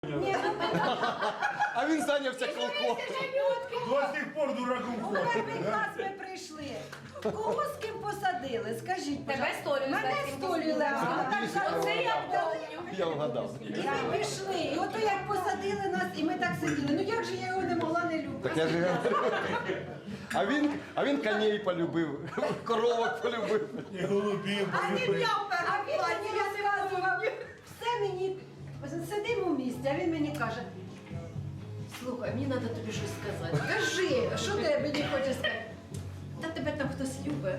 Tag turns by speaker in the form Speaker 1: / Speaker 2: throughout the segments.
Speaker 1: А він зайнявся колком.
Speaker 2: До сих пор дураком
Speaker 3: У
Speaker 2: ходить.
Speaker 3: перший клас ми прийшли. Кого з ким посадили? Скажіть,
Speaker 4: Тебе Столю
Speaker 3: мене Столю Левченко. Так само
Speaker 4: Це я
Speaker 3: дали.
Speaker 1: Я вгадав.
Speaker 3: І ми пішли. І ото як посадили нас, і ми так сиділи. Ну як же я його не могла не любити?
Speaker 1: Так я ж а він коней полюбив, коровок полюбив.
Speaker 2: І голубів.
Speaker 3: А він мені розказував. Все мені, сидимо в місті, а він мені каже, слухай, мені треба тобі щось сказати. Кажи, що ти мені хочеш сказати? Та тебе там хтось любить.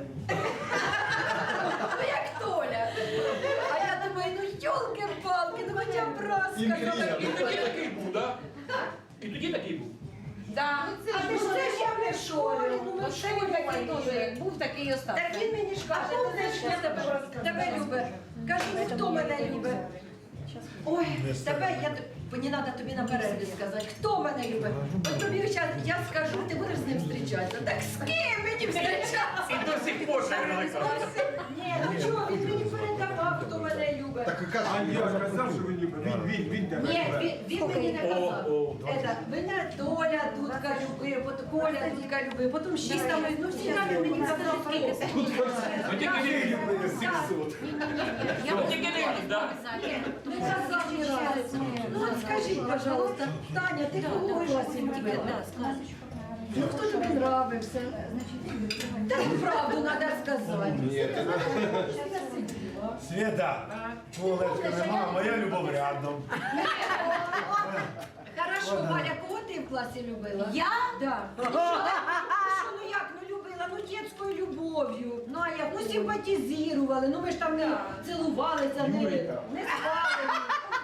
Speaker 3: Ну як Толя. А я думаю, ну йолки-палки, ну хоча б раз сказала.
Speaker 5: І тоді такий був, так? І тоді такий був.
Speaker 4: Да.
Speaker 3: А ти ж це ж я не в школі, ну ми в
Speaker 4: Оце він такий
Speaker 3: школі.
Speaker 4: теж, як був, такий і остався.
Speaker 3: Так він мені ж каже, ти знаєш, я тебе любить. Кажу, ну хто мене любить? Ой, тебе, мені треба тобі на перерві сказати, хто мене любить? От тобі зараз я скажу, ти будеш з ним зустрічатися. Так з ким мені зустрічатися?
Speaker 5: І до сих пор ще не кажуть.
Speaker 3: Ні, ну чого, він мені передавав, хто мене любить.
Speaker 2: А я ж казав, що він любить. Він тебе
Speaker 3: Ні,
Speaker 2: любить.
Speaker 3: він мені не казав. Мене Толя Дудка любив, потім Коля Дудка любив, потім ще там, ну всі там мені казали, хто.
Speaker 5: Ну тільки не любили 700. Ну тільки не любить, так?
Speaker 3: Не казав ні разу. Ну от скажіть, пожалуйста, Таня, ти кого в класі любила? Ну хто тобі нравився? Та ну правду треба сказати.
Speaker 2: Света, твого Левчика нема, а моя любов рядом.
Speaker 3: Хорошо, Валя, кого ти в класі любила?
Speaker 4: Я?
Speaker 3: Да. Ну що, ну як, ну любила, ну дітською любов'ю. Ну а як, ну симпатизували, ну ми ж там не цілувалися, не спали.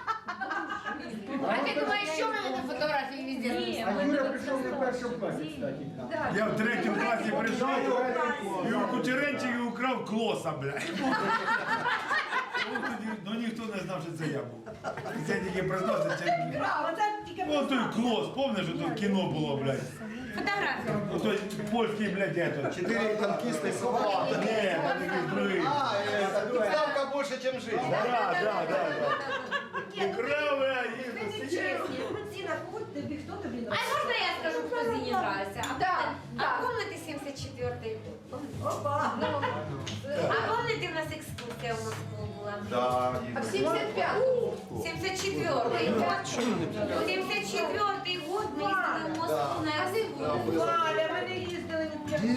Speaker 4: А ти думаєш, що в мене на фотографії везде?
Speaker 6: А Юра прийшов не в першому класі, кстати.
Speaker 2: Я в третьому класі прийшов і у Кучеренчики украв клоса, блядь. Ну ніхто не знав, що це я був. Це тільки признався, це...
Speaker 3: Браво, це тільки
Speaker 2: О, той клос, пам'ятаєш, що то кіно було, блядь?
Speaker 4: Фотографію.
Speaker 2: О, той польський, блядь, ето.
Speaker 1: 4 танкісти собаки.
Speaker 2: Ні, там якийсь другий.
Speaker 1: Ставка більше, ніж життя.
Speaker 3: Ні, ну
Speaker 2: Украв, а
Speaker 3: ви не
Speaker 2: їздив.
Speaker 3: чесні. Ціна, хто тобі
Speaker 4: А
Speaker 3: нравиться?
Speaker 4: можна я скажу, хто Зіні нравиться?
Speaker 3: Да,
Speaker 4: А помните 74-й год?
Speaker 3: Опа.
Speaker 4: А помните, у нас екскурсія в Москву була?
Speaker 1: Да.
Speaker 3: А в 75-му?
Speaker 4: 74-й год. 74-й год ми їздили в Москву на екскурсію.
Speaker 3: Валя, ми не їздили.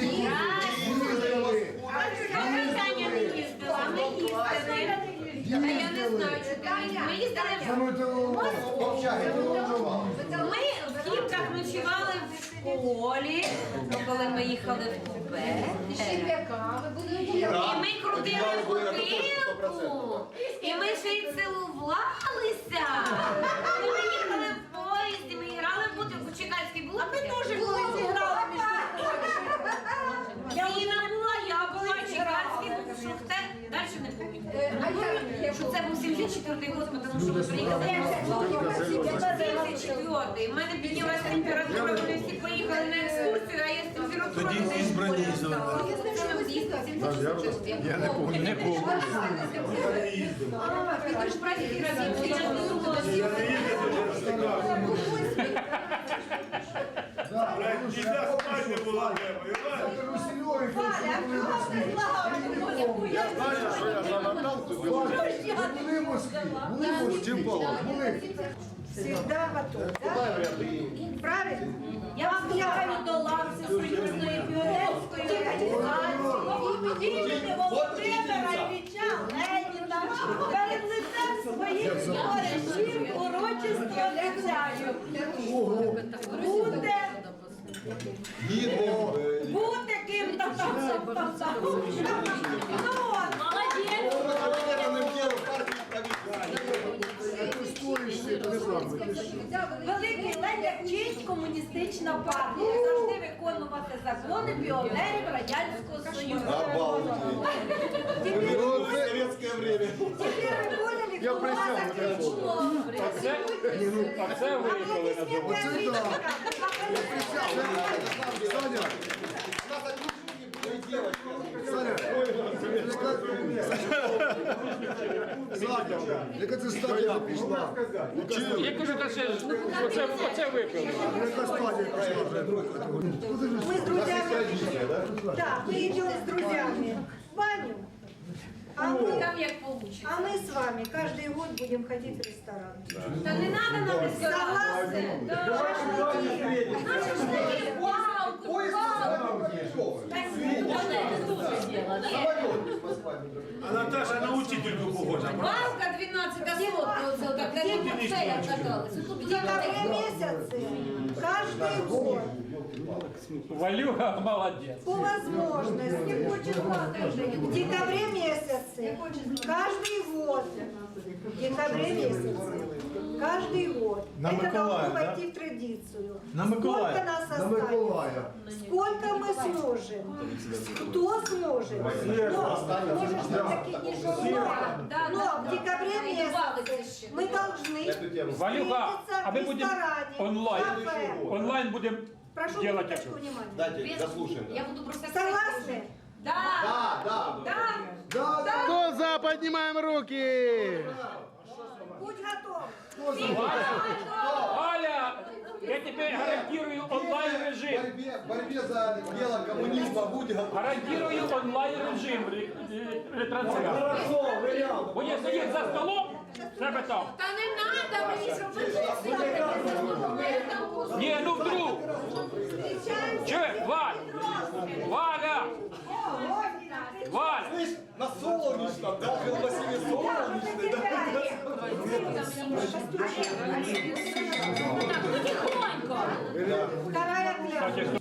Speaker 4: А Таня не їздила, а ми їздили. Та я не знаю, чи ти ми їздили в Москву. Ми в Хімках ночували в школі, коли ми їхали в купе. І ми крутили бутилку. І ми ще й цілувалися. І ми їхали в поїзді, ми грали в бутилку. Чекальський була? Ми теж були зіграли між Зіна була, я була, Чекальський був, Шухте. Далі не пам'ятаю. Що це був 74-й год, тому що ми приїхали в Москву. 74-й. У мене піднялася температура, вони всі поїхали на екскурсію, а я з температурою.
Speaker 2: Тоді ізбрані
Speaker 4: Це ми їздили, 74-й. Я не пам'ятаю.
Speaker 2: Я не їздив.
Speaker 4: Ти ж праздник разів.
Speaker 2: Я не їздив, блядь, нельзя спать не було треба,
Speaker 1: Я знаю, що я за Наталку
Speaker 6: Були в Москві,
Speaker 3: Всегда готов.
Speaker 1: Дай вряди.
Speaker 3: Правильно?
Speaker 4: Я вас вітаю до лавці Союзної піонерської організації імені Володимира Ілліча Леніна. Перед лицем своїх товаришів урочисто обіцяю. Бути ким-то там. Молодець! Великий Леня вчить комуністична партія завжди виконувати закони піонерів Радянського Союзу.
Speaker 1: Советское время.
Speaker 3: Тепер ви поняли, хто вас заключило.
Speaker 5: А це виїхали на завод.
Speaker 1: Саня, у нас одни были девочки. Саня, Яка це стадія пішла?
Speaker 5: Я кажу, та ще ж, оце випили.
Speaker 1: Яка стадія пішла вже?
Speaker 7: Мы с друзьями, да, мы идем с друзьями в баню, а мы,
Speaker 4: Там як получится.
Speaker 7: а мы с вами каждый год будем ходить в ресторан.
Speaker 4: Та не надо нам ресторан.
Speaker 7: Согласны?
Speaker 4: Шашлыки. На шашлыки. Вау, вау.
Speaker 2: А Наташа на учительку похожа.
Speaker 4: Валка 12 сотка, оце так, як от це я каталась.
Speaker 7: В декабре месяце каждый год
Speaker 5: Валюга молодець.
Speaker 7: по возможности в декабре месяце каждый год в декабре месяце каждый год
Speaker 2: На
Speaker 7: это
Speaker 2: Миколая,
Speaker 7: должно
Speaker 2: да?
Speaker 7: войти в традицию.
Speaker 2: На
Speaker 7: Сколько
Speaker 2: Миколая.
Speaker 7: нас
Speaker 1: На
Speaker 7: останется?
Speaker 1: Миколая.
Speaker 7: Сколько мы сможем? Кто сможет? Но, может, все-таки не журнал. Но в декабре месяце мы должны
Speaker 5: Валюга, а ми
Speaker 7: встретиться в
Speaker 5: будемо
Speaker 7: ресторане,
Speaker 5: онлайн.
Speaker 7: кафе.
Speaker 5: Онлайн будемо
Speaker 7: Прошу
Speaker 5: делать
Speaker 7: минуточку
Speaker 5: это.
Speaker 7: внимания.
Speaker 8: Дайте, дослушаем.
Speaker 4: Я буду просто...
Speaker 7: Согласны?
Speaker 4: Да.
Speaker 8: Да.
Speaker 1: Хто за, піднімаємо руки!
Speaker 7: Будь готов.
Speaker 5: Галя, я тебе гарантирую онлайн режим.
Speaker 8: Борьбе за дело коммунизма будь готов.
Speaker 5: Гарантирую онлайн режим ретрансляції. Буде сидіти за столом, себе там.
Speaker 4: Та не надо мені, щоб ви тут
Speaker 5: Ні, ну вдруг. Че, Валь? Валя! Валь!
Speaker 8: На солнечном, да? В Василий солнечный,
Speaker 4: Потихоньку.
Speaker 7: Вторая клятва.